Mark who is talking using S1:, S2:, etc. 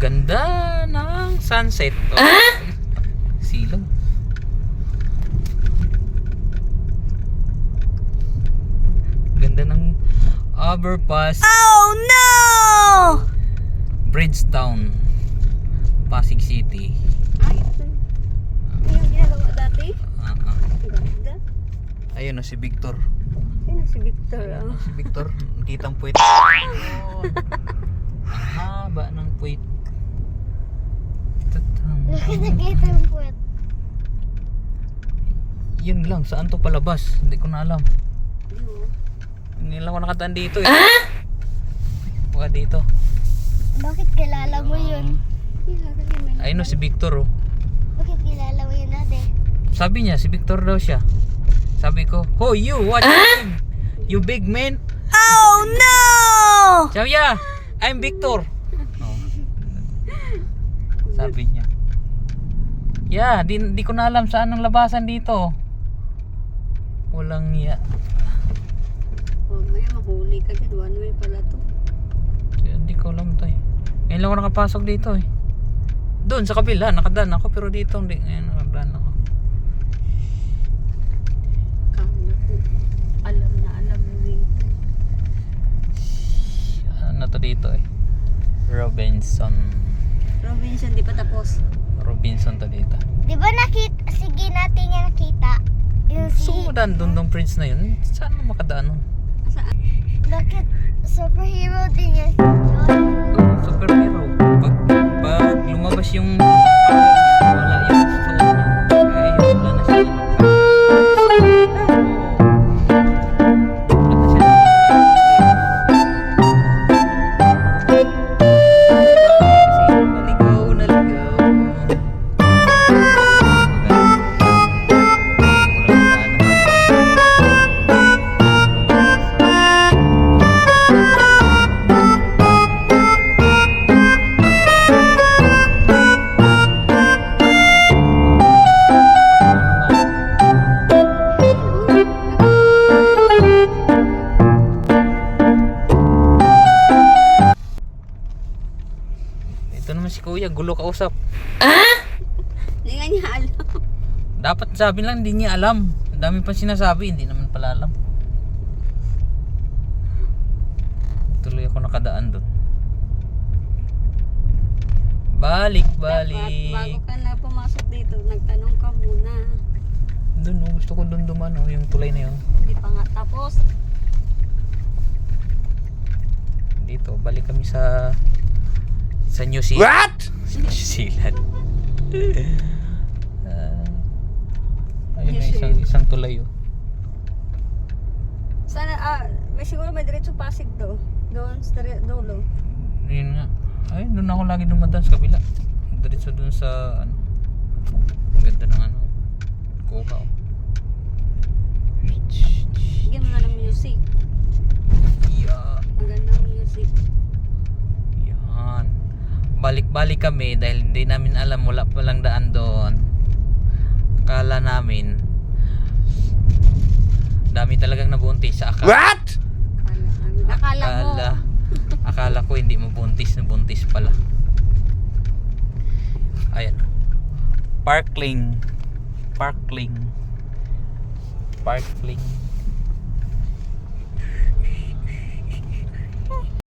S1: Ganda ng sunset. Silaw. Ganda ng overpass.
S2: Oh no!
S1: Bridgetown, Pasig City.
S2: Ay, ito. Ito yung ginagawa dati. Ganda.
S1: Ayun na si Victor.
S2: Ayun si Victor. Oh.
S1: Si Victor, kitang puwit. Oh. Ang haba ng puwit.
S2: Nakita yung puwet.
S1: Yun lang, saan to palabas? Hindi ko na alam. Hindi lang ako nakataan dito eh. Baka dito.
S2: Bakit kilala mo yun?
S1: Ayun na si Victor oh.
S2: Bakit kilala mo yun ate?
S1: Sabi niya, si Victor daw siya. Sabi ko, "Ho, you, what's your name? You big man?"
S2: Oh no!
S1: Sabi niya, "I'm Victor." Oh. Sabi niya. Yeah, di ko na alam saan ang labasan dito. Walang niya.
S2: May mahuli ka dyan. One way pala to.
S1: Hindi ko alam to eh. Ngayon lang ako nakapasok dito eh. Doon sa kabila, nakadaan ako pero dito hindi. Ngayon nakadaan ako.
S2: Kala ko. Alam mo dito.
S1: Ano to dito eh? Robinson.
S2: Robinson, di pa tapos.
S1: Robinson to dito.
S2: Di ba nakita? Sige natin yung nakita. Yung
S1: So, madaan doon ng prince na yun. Saan mo makadaan nun?
S2: Saan? Bakit superhero din yan?
S1: Superhero. Pag lumabas yung wala yung suot niya. Kaya yun, wala na siya. Wala na siya. Kasi naligaw. Ito naman si Kuya, gulo kausap.
S2: Hindi nga niya alam.
S1: Dapat sabi lang, hindi niya alam. Ang dami pa sinasabi, hindi naman pala alam. Tuloy ako nakadaan doon. Balik.
S2: Dapat bago ka na pumasok dito, nagtanong ka muna.
S1: Doon, gusto ko doon duman, yung tulay na yun.
S2: Hindi pa nga tapos.
S1: Dito, balik kami sa New Zealand. What? Sa New Zealand. Ayun na isang tulay oh.
S2: Sana, may siguro may diretso Pasig do. Doon sa dulo.
S1: Yun nga. Ay, doon ako lagi dumadaan sa kabila. Diretso doon sa ano. Ang ganda ng ano. Kuha oh.
S2: Bigyan mo nga ng music.
S1: Yeah.
S2: Magandang music.
S1: Yan. Balik-balik kami dahil hindi namin alam, wala palang daan doon. Akala namin dami talagang nabuntis sa akala. What?
S2: Akala mo.
S1: Akala ko hindi mabuntis, nabuntis pala. Ayan. Parkling.